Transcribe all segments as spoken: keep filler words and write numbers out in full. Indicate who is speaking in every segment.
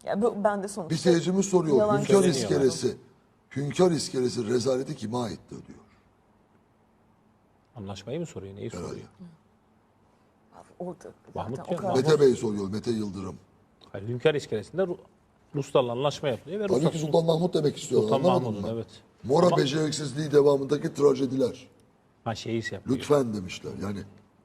Speaker 1: Ya bu, ben de sonuçta
Speaker 2: Bir seyircimiz soruyor.
Speaker 1: yalan
Speaker 2: Hünkar
Speaker 1: söylemiyorum.
Speaker 2: iskelesi. Hünkar iskelesi rezaleti kime aittir diyor.
Speaker 3: Anlaşmayı mı soruyor? Neyi soruyor?
Speaker 2: Herhalde.
Speaker 1: Orada
Speaker 3: Mahmut
Speaker 1: zaten o
Speaker 3: ya,
Speaker 1: kadar.
Speaker 3: Mahmut.
Speaker 2: Mete Bey soruyor. Mete Yıldırım.
Speaker 3: Hayır, Hünkar iskelesinde Ru- Ruslarla anlaşma yapılıyor ve
Speaker 2: Tabii
Speaker 3: Ruslar
Speaker 2: ki Sultan Mahmut demek istiyor.
Speaker 3: Sultan
Speaker 2: anlamadın
Speaker 3: Mahmud'un,
Speaker 2: mı?
Speaker 3: evet.
Speaker 2: Mora
Speaker 3: Ama-
Speaker 2: beceriksizliği devamındaki trajediler.
Speaker 3: ha, şeyi şey yapıyor.
Speaker 2: Lütfen demişler. Yani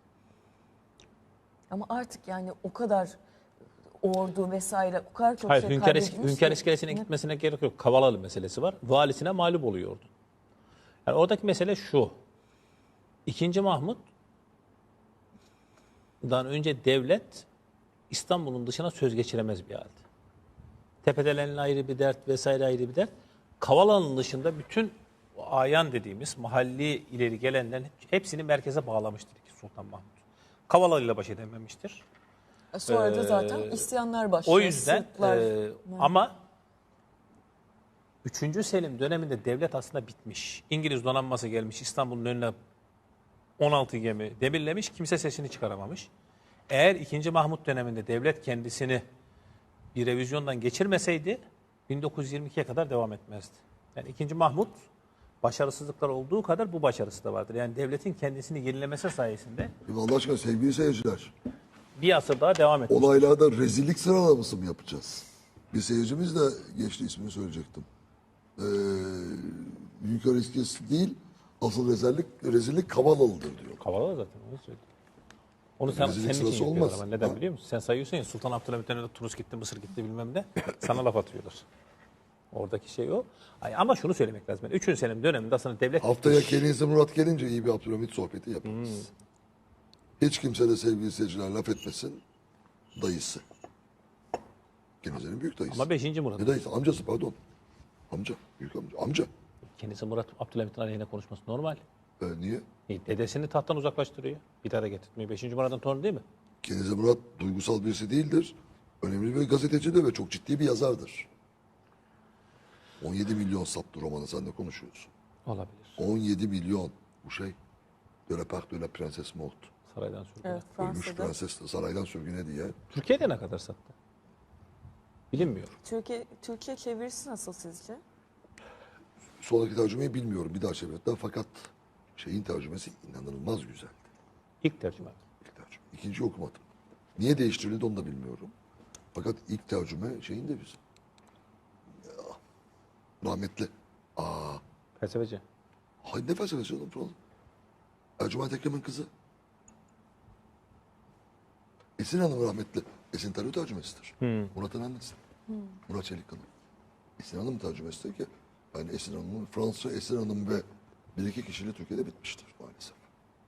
Speaker 1: Ama artık yani o kadar ordu vesaire o kadar çok
Speaker 3: Hayır,
Speaker 1: şey
Speaker 3: Hünkar, is-
Speaker 1: kaybedilmiş
Speaker 3: Hünkar
Speaker 1: ki-
Speaker 3: iskelesine gitmesine gerek yok. Kavalalı meselesi var. Valisine mağlup oluyordu. Yani oradaki mesele şu. İkinci Mahmud'dan önce devlet İstanbul'un dışına söz geçiremez bir halde. Tepedelenin ayrı bir dert vesaire ayrı bir dert. Kavalalı'nın dışında bütün o ayan dediğimiz mahalli ileri gelenlerin hepsini merkeze bağlamıştır ki Sultan Mahmud. Kavalalı ile baş edememiştir.
Speaker 1: Sonra da zaten
Speaker 3: Ee,
Speaker 1: isyanlar başlıyor.
Speaker 3: O yüzden
Speaker 1: Sırplar-
Speaker 3: e, ama üçüncü Selim döneminde devlet aslında bitmiş. İngiliz donanması gelmiş İstanbul'un önüne on altı gemi demirlemiş. Kimse sesini çıkaramamış. Eğer ikinci Mahmut döneminde devlet kendisini bir revizyondan geçirmeseydi bin dokuz yüz yirmi ikiye kadar devam etmezdi. Yani ikinci Mahmut başarısızlıklar olduğu kadar bu başarısı da vardır. Yani devletin kendisini yenilemesi sayesinde
Speaker 2: şimdi Allah aşkına sevgili seyirciler.
Speaker 3: bir asır daha devam etmiş.
Speaker 2: Olaylarda rezillik sıralaması mı yapacağız? Bir seyircimiz de geçti, ismini söyleyecektim. Ee, Hünkar iskelesi değil, asıl rezillik, rezillik Kavalalı'dır diyor.
Speaker 3: Kavalalı zaten onu söyledi. Onu sen,
Speaker 2: Rezillik
Speaker 3: senin için
Speaker 2: sırası
Speaker 3: yapıyorlar
Speaker 2: olmaz.
Speaker 3: ama neden
Speaker 2: Ha.
Speaker 3: biliyor musun? Sen sayıyorsun ya Sultan Abdülhamit döneminde Tunus gitti, Mısır gitti bilmem ne. Sana laf atıyorlar. Oradaki şey o. Ay, ama şunu söylemek lazım. Yani üçüncü Selim döneminde aslında devlet
Speaker 2: Haftaya
Speaker 3: bitmiş.
Speaker 2: Kenizi Murat gelince iyi bir Abdülhamit sohbeti yaparız.
Speaker 3: Hmm.
Speaker 2: Hiç kimse de sevgili seyirciler laf etmesin. Dayısı. Kenizi'nin büyük dayısı.
Speaker 3: Ama beşinci Murat.
Speaker 2: Ne dayısı? Amcası pardon. Amca. Büyük amca. Amca.
Speaker 3: Kendisi Murat Abdülhamit'in aleyhine konuşması normal.
Speaker 2: Ee, niye?
Speaker 3: E, dedesini tahttan uzaklaştırıyor. Bir daha da getirtmiyor. Beşinci Murat'ın torunu değil mi?
Speaker 2: Kenizi Murat duygusal birisi değildir. Önemli bir gazetecidir ve çok ciddi bir yazardır. on yedi milyon sattı romanı, sen de konuşuyorsun.
Speaker 3: Olabilir.
Speaker 2: on yedi milyon. Bu şey. De la part de la princesse morte.
Speaker 3: Saraydan sürgüne.
Speaker 1: Evet,
Speaker 2: Ölmüş
Speaker 1: Fransa'da.
Speaker 2: prenses de saraydan sürgüne diye.
Speaker 3: Türkiye'de ne kadar sattı? Bilinmiyor.
Speaker 1: Türkiye, Türkiye çevirisi nasıl sizce?
Speaker 2: Sonraki tercümeyi bilmiyorum. Bir daha çevirdiler. Fakat şeyin tercümesi inanılmaz güzeldi.
Speaker 3: İlk tercüme.
Speaker 2: İlk tercüme. İkinciyi okumadım. Niye değiştirildi onu da bilmiyorum. Fakat ilk tercüme şeyin de güzel. Ya, rahmetli. Aa,
Speaker 3: Felsefeci.
Speaker 2: hay ne felsefesi oğlum falan. Ercüment Ekrem'in kızı. Esin Hanım rahmetli. Esin Tarih tercümesidir. Murat'ın annesi. Murat Çelikkan'ın. Esin Hanım tercümesidir ki yani Esin Hanım'ın Fransızca Esin Hanım ve bir iki kişiyle Türkiye'de bitmiştir maalesef.